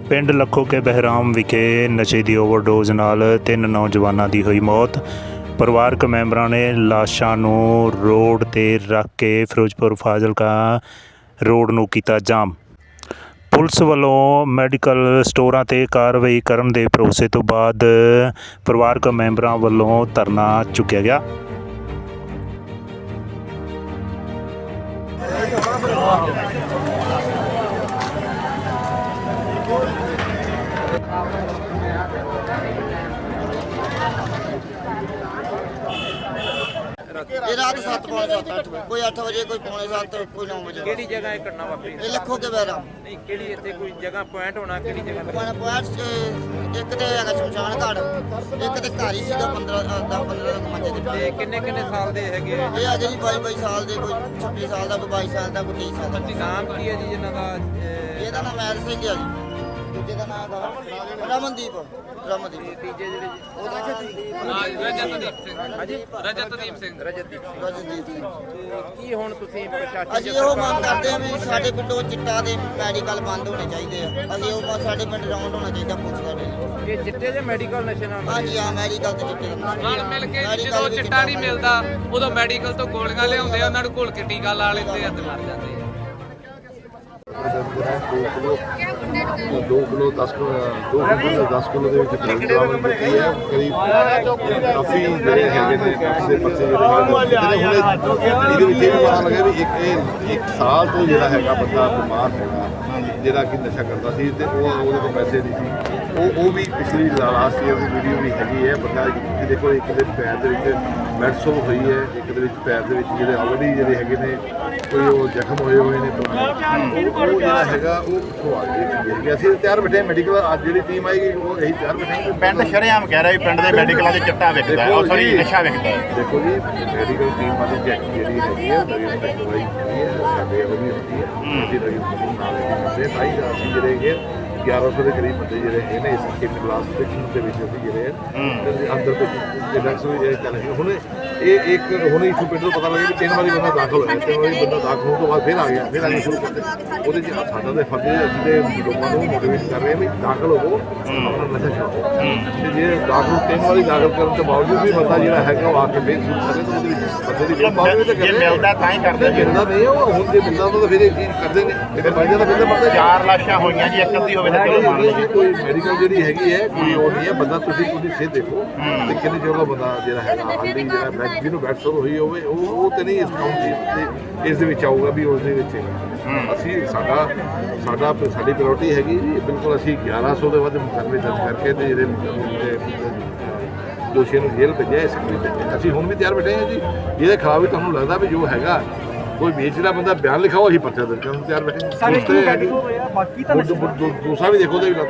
ਪਿੰਡ ਲੱਖੋ ਕੇ ਬਹਿਰਾਮ ਵਿਖੇ ਨਸ਼ੇ ਦੀ ਓਵਰਡੋਜ਼ ਨਾਲ 3 ਨੌਜਵਾਨਾਂ ਦੀ ਹੋਈ ਮੌਤ। ਪਰਿਵਾਰਕ ਮੈਂਬਰਾਂ ਨੇ ਲਾਸ਼ਾਂ ਨੂੰ ਰੋਡ ਤੇ ਰੱਖ ਕੇ ਫਿਰੋਜ਼ਪੁਰ ਫਾਜ਼ਿਲਕਾ ਰੋਡ ਨੂੰ ਕੀਤਾ ਜਾਮ। ਪੁਲਿਸ ਵੱਲੋਂ ਮੈਡੀਕਲ ਸਟੋਰਾਂ 'ਤੇ ਕਾਰਵਾਈ ਕਰਨ ਦੇ ਭਰੋਸੇ ਤੋਂ ਬਾਅਦ ਪਰਿਵਾਰਕ ਮੈਂਬਰਾਂ ਵੱਲੋਂ ਧਰਨਾ ਚੁੱਕਿਆ ਗਿਆ। ये रात 7 पौने 7 8 बजे कोई 8 बजे कोई पौने 7 कोई 9 बजे ਕਿਹੜੀ ਜਗ੍ਹਾ ਇਹ ਘਟਨਾ ਵਾਪਰੀ? ये लखो के बहरा ਨਹੀਂ ਕਿਹੜੀ ਇੱਥੇ ਕੋਈ ਜਗ੍ਹਾ ਪੁਆਇੰਟ ਹੋਣਾ ਕਿਹੜੀ ਜਗ੍ਹਾ ਲੱਗਾ? ਪੁਆਇੰਟ ਇੱਕ ਤੇ ਹੈਗਾ ਸ਼ਮਸ਼ਾਨ ਘਾਟ, ਇੱਕ ਤੇ ਘਰ ਹੀ ਸੀਗਾ 15 15 ਮੰਜੇ ਤੇ। ਤੇ ਕਿੰਨੇ ਕਿੰਨੇ ਸਾਲ ਦੇ ਹੈਗੇ? ਇਹ ਅਜੇ ਜੀ 22 ਸਾਲ ਦੇ, ਕੋਈ 26 ਸਾਲ ਦਾ, ਕੋਈ 22 ਸਾਲ ਦਾ, ਕੋਈ 23 ਸਾਲ ਦਾ। ਨਾਮ ਕੀ ਹੈ ਜੀ ਇਹਨਾਂ ਦਾ? ਇਹਦਾ ਨਾਮ ਮੈਰ ਸਿੰਘ ਹੈ ਜੀ, ਦੂਜੇ ਦਾ ਨਾਮ ਰਮਨਦੀਪ। ਰਮਨਦੀਪ ਤੀਜੇ ਜਿਹੜੇ ਉਹਦਾ ਰਜਤਦੀਪ ਸਿੰਘ। ਰਜਤਦੀਪ ਸਿੰਘ। ਕੀ ਹੁਣ ਤੁਸੀਂ ਪ੍ਰਸ਼ਾਸਨ ਅਸੀਂ ਉਹ ਮੰਗ ਕਰਦੇ ਹਾਂ ਵੀ ਸਾਡੇ ਪਿੰਡੋਂ ਚਿੱਟਾ ਦੇ ਮੈਡੀਕਲ ਬੰਦ ਹੋਣੇ ਚਾਹੀਦੇ ਆ। ਅਸੀਂ ਉਹ ਸਾਡੇ ਪਿੰਡ ਰਾਉਂਡ ਹੋਣਾ ਚਾਹੀਦਾ ਪੁਲਿਸ ਦਾ ਡੇਲੀ। ਇਹ ਚਿੱਟੇ ਦੇ ਮੈਡੀਕਲ ਨਸ਼ੇ ਨਾਲ? ਹਾਂਜੀ ਹਾਂ, ਮੈਡੀਕਲ ਤੇ ਚਿੱਟੇ ਦਾ ਨਾਲ ਮਿਲ ਕੇ ਜਦੋਂ ਚਿੱਟਾ ਨਹੀਂ ਮਿਲਦਾ ਉਦੋਂ ਮੈਡੀਕਲ ਤੋਂ ਗੋਲੀਆਂ ਲਿਆਉਂਦੇ ਆ, ਉਹਨਾਂ ਨੂੰ ਘੋਲ ਕੇ ਟੀਕਾ ਲਾ ਲੈਂਦੇ ਆ ਤੇ ਮਰ ਜਾਂਦੇ ਆ। 2 ਕਿਲੋ 10 ਕਿਲੋ ਦੇ ਵਿੱਚ ਡਰੱਗ ਬਰਾਮਦ ਕੀਤੀ ਹੈ। ਕਰੀਬ ਕਾਫੀ ਜਿਹੜੇ ਹੈਗੇ ਨੇ ਦੇ ਪਰਚੇ ਜਿਹੜੇ ਇਹਦੇ ਵਿੱਚ ਇਹ ਵੀ ਪਤਾ ਲੱਗਿਆ ਵੀ ਇੱਕ ਸਾਲ ਤੋਂ ਜਿਹੜਾ ਹੈਗਾ ਬੰਦਾ ਬਿਮਾਰ ਹੈਗਾ, ਜਿਹੜਾ ਕਿ ਨਸ਼ਾ ਕਰਦਾ ਸੀ ਤੇ ਉਹਦੇ ਕੋਲ ਪੈਸੇ ਨਹੀਂ ਸੀ। ਉਹ ਵੀ ਪਿਛਲੀ ਲਾਸਟ ਈਅਰ ਦੀ ਵੀਡੀਓ ਵੀ ਹੈਗੀ ਹੈ। ਬੰਦਾ ਤੁਸੀਂ ਦੇਖੋ, ਇੱਕ ਦੇ ਪੈਰ ਦੇ ਵਿੱਚ ਮੈਡਸੋਲ ਹੋਈ ਹੈ, ਇੱਕ ਦੇ ਵਿੱਚ ਪੈਰ ਦੇ ਵਿੱਚ ਜਿਹੜੇ ਆਲਰੇਡੀ ਜਿਹੜੇ ਹੈਗੇ ਨੇ ਕੋਈ ਉਹ ਜ਼ਖਮ ਹੋਏ ਨੇ ਪੁਰਾਣੇ, ਉਹ ਜਿਹੜਾ ਹੈਗਾ ਉਹ ਕਿੱਥੋਂ ਆ ਗਈ। ਅਸੀਂ ਤਿਆਰ ਬੈਠੇ ਮੈਡੀਕਲ, ਅੱਜ ਜਿਹੜੀ ਟੀਮ ਆਏਗੀ ਉਹ ਇਹੀ ਤਿਆਰ ਬੈਠੇ। ਪਿੰਡ ਸ਼ਰੇਆਮ ਕਹਿ ਰਿਹਾ ਵੀ ਪਿੰਡ ਦੇ ਮੈਡੀਕਲਾਂ 'ਚ ਚਿੱਟਾ ਵਿਕਦਾ ਹੈ, ਸੌਰੀ ਨਸ਼ਾ ਵਿਕਦਾ ਹੈ। ਦੇਖੋ ਜੀ, ਮੈਡੀਕਲ ਟੀਮ ਵਾਲੀ ਚੈੱਕ ਜਿਹੜੀ ਹੈਗੀ ਹੈ ਮਰੀਜ਼ ਦੀ ਦਵਾਈ ਹੁੰਦੀ ਹੈ, ਸਾਡੇ ਉਹ ਵੀ ਹੁੰਦੀ ਹੈ। ਅਸੀਂ ਮਰੀਜ਼ ਨੂੰ ਨਾਲ ਲੈ ਕੇ ਆਈ ਅਸੀਂ ਜਿਹੜੇ ਹੈਗੇ 1100 ਦੇ ਕਰੀਬ ਬੰਦੇ ਜਿਹੜੇ ਹੈਗੇ ਨੇ ਇਸ ਇੱਕ ਕਲਾਸ ਸੈਕਸ਼ਨ ਦੇ ਵਿੱਚ ਅਸੀਂ ਜਿਹੜੇ ਅੰਦਰ ਦੇ ਡਾਕਟਰ ਵੀ ਜਿਹੜੇ ਚੱਲ ਰਹੇ ਹੁਣ ਇਹ ਇੱਕ ਹੁਣ ਇਸ ਪਿੰਡ ਤੋਂ ਪਤਾ ਲੱਗਿਆ ਵੀ 3 ਵਾਰੀ ਬੰਦਾ ਦਾਖਲ ਹੋਇਆ, 3 ਵਾਰੀ ਬੰਦਾ ਦਾਖਲ ਹੋਣ ਤੋਂ ਬਾਅਦ ਫਿਰ ਆ ਗਿਆ ਸ਼ੁਰੂ ਕਰਦੇ। ਉਹਦੇ 'ਚ ਸਾਡਾ ਤਾਂ ਫਰਜ਼ ਹੈ, ਅਸੀਂ ਤੇ ਲੋਕਾਂ ਨੂੰ ਮੋਟੀਵੇਟ ਕਰ ਰਹੇ ਹਾਂ ਵੀ ਦਾਖਲ ਹੋਵੋ, ਆਪਣਾ ਨਸ਼ਾ ਛੱਡੋ। ਤੇ ਜੇ ਦਾਖਲ 3 ਵਾਰੀ ਦਾਖਲ ਕਰਨ ਤੋਂ ਬਾਵਜੂਦ ਵੀ ਬੰਦਾ ਜਿਹੜਾ ਹੈਗਾ ਉਹ ਆ ਕੇ ਫਿਰ ਸ਼ੁਰੂ ਕਰੇ ਤਾਂ ਉਹਦੇ ਵਿੱਚ ਬੰਦੇ ਦੀ ਜੇ ਮਿਲਦਾ ਤਾਂ ਹੀ ਕਰਦੇ ਜੀ। ਮਿਲਦਾ ਨਹੀਂ ਉਹ ਹੁਣ ਜੇ ਮਿਲਦਾ ਤਾਂ ਫਿਰ ਇਹ ਚੀਜ਼ ਕਰਦੇ ਨੇ। ਫਿਰ ਬੰਦੇ ਦਾ ਬੰਦਾ ਮਰਦਾ। 4 ਲਾਸ਼ਾਂ ਹੋਈਆਂ ਜੀ, ਇੱਕ ਅੱਧੀ ਹੋਵੇ ਤਾਂ ਚਲੋ ਮੰਨ ਲਓ। ਕੋਈ ਮੈਡੀਕਲ ਜਿਹੜੀ ਹੈਗੀ ਹੈ ਕੋਈ ਉਹ ਨਹੀਂ ਹੈ। ਬੰਦਾ ਤੁਸੀਂ ਉਹਦੀ ਸਿਹਤ ਦੇਖੋ ਤੇ ਕਿੰਨੇ ਚਿਰ ਦਾ ਬੰਦਾ ਜਿਹੜਾ ਹੈਗਾ ਆਲਰੇਡੀ ਜਿਹੜਾ ਜਿਹਨੂੰ ਬੈਡਸੋਰ ਹੋਈ ਹੋਵੇ ਉਹ ਤੇ ਨਹੀਂ ਇਸ ਕਾਊਂਟ ਇਸ ਦੇ ਵਿੱਚ ਆਊਗਾ ਵੀ ਉਸ ਦੇ ਵਿੱਚ ਅਸੀਂ ਸਾਡੀ ਪ੍ਰਾਇੋਰਟੀ ਹੈਗੀ ਜੀ। ਬਿਲਕੁਲ ਅਸੀਂ 1100 ਦੇ ਵੱਧ ਮੁਕੱਦਮੇ ਦਰਜ ਕਰਕੇ ਤੇ ਜਿਹੜੇ ਦੋਸ਼ੀਆਂ ਨੂੰ ਜੇਲ੍ਹ ਭੇਜਿਆ, ਇਸ ਲਈ ਅਸੀਂ ਹੁਣ ਵੀ ਤਿਆਰ ਬੈਠੇ ਹਾਂ ਜੀ। ਜਿਹਦੇ ਖਿਲਾਫ ਵੀ ਤੁਹਾਨੂੰ ਲੱਗਦਾ ਵੀ ਜੋ ਹੈਗਾ ਕੋਈ ਵੇਚਦਾ ਬੰਦਾ ਬਿਆਨ ਲਿਖਾਓ, ਅਸੀਂ ਪਰਚਾ ਦਰਜ ਕਰਨ ਨੂੰ ਤਿਆਰ ਬੈਠੇ। ਬਾਕੀ ਤਾਂ ਦੂਸਰਾ ਵੀ ਦੇਖੋ ਤੇ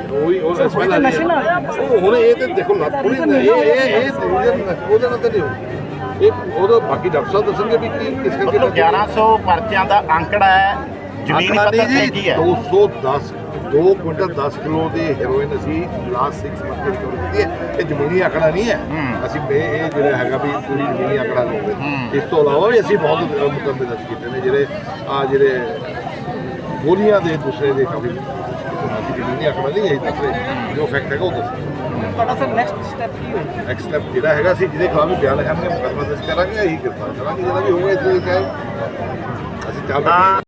ਹੁਣ ਇਹ ਤੇ ਦੇਖੋ ਲੱਤ ਥੋੜੀ ਇਹ ਉਹਦੇ ਨਾਲ ਤਾਂ ਨਹੀਂ ਹੋਊ। ਇਹ ਉਹਦਾ ਬਾਕੀ ਡਾਕਟਰ ਸਾਹਿਬ ਦੱਸਣਗੇ ਵੀ ਕਿਸ ਕਰਕੇ 1100 ਪਰਚਿਆਂ ਦਾ ਅੰਕੜਾ ਹੈ। ਜ਼ਮੀਨੀ ਪੱਧਰ ਤੇ ਕੀ ਹੈ? 2 ਕੁਇੰਟਲ 10 ਕਿਲੋ ਦੀ ਹੈਰੋਇਨ ਅਸੀਂ ਲਾਸਟ 6 ਮੰਥ ਵਿੱਚ ਰਿਕਵਰ ਕੀਤੀ ਹੈ। ਇਹ ਜ਼ਮੀਨੀ ਆંકੜਾ ਨਹੀਂ ਹੈ। ਅਸੀਂ ਇਹ ਜਿਹੜਾ ਹੈਗਾ ਵੀ ਪੂਰੀ ਜ਼ਮੀਨੀ ਆંકੜਾ ਲਓਗੇ। ਇਸ ਤੋਂ ਇਲਾਵਾ ਵੀ ਅਸੀਂ ਬਹੁਤ ਮੁਕੱਦਮੇ ਦਰਜ ਕੀਤੇ ਨੇ ਜਿਹੜੇ ਗੋਲੀਆਂ ਦੇ ਦੂਸਰੇ ਦੇ ਕਾਫੀ ਅਸੀਂ ਜ਼ਮੀਨੀ ਆંકੜਾ ਨਹੀਂ ਇਹ ਦੱਸ ਰਹੇ, ਜੋ ਫੈਕਟ ਹੈਗਾ ਉਹ ਦੱਸ। ਤੁਹਾਡਾ ਸਰ ਨੈਕਸਟ ਸਟੈਪ ਕੀ ਹੋਏਗਾ? ਨੈਕਸਟ ਸਟੈਪ ਜਿਹੜਾ ਹੈਗਾ ਅਸੀਂ ਜਿਹਦੇ ਖਿਲਾਫ ਵੀ ਬਿਆਨ ਲਿਖਾਂਗੇ, ਮੁਕੱਦਮਾ ਦਰਜ ਕਰਾਂਗੇ, ਇਹੀ ਗ੍ਰਿਫਤਾਰ ਕਰਾਂਗੇ। ਜਿਹੜਾ ਵੀ ਹੋਊਗਾ ਇਸ ਦੇ ਅਸੀਂ ਚੱਲ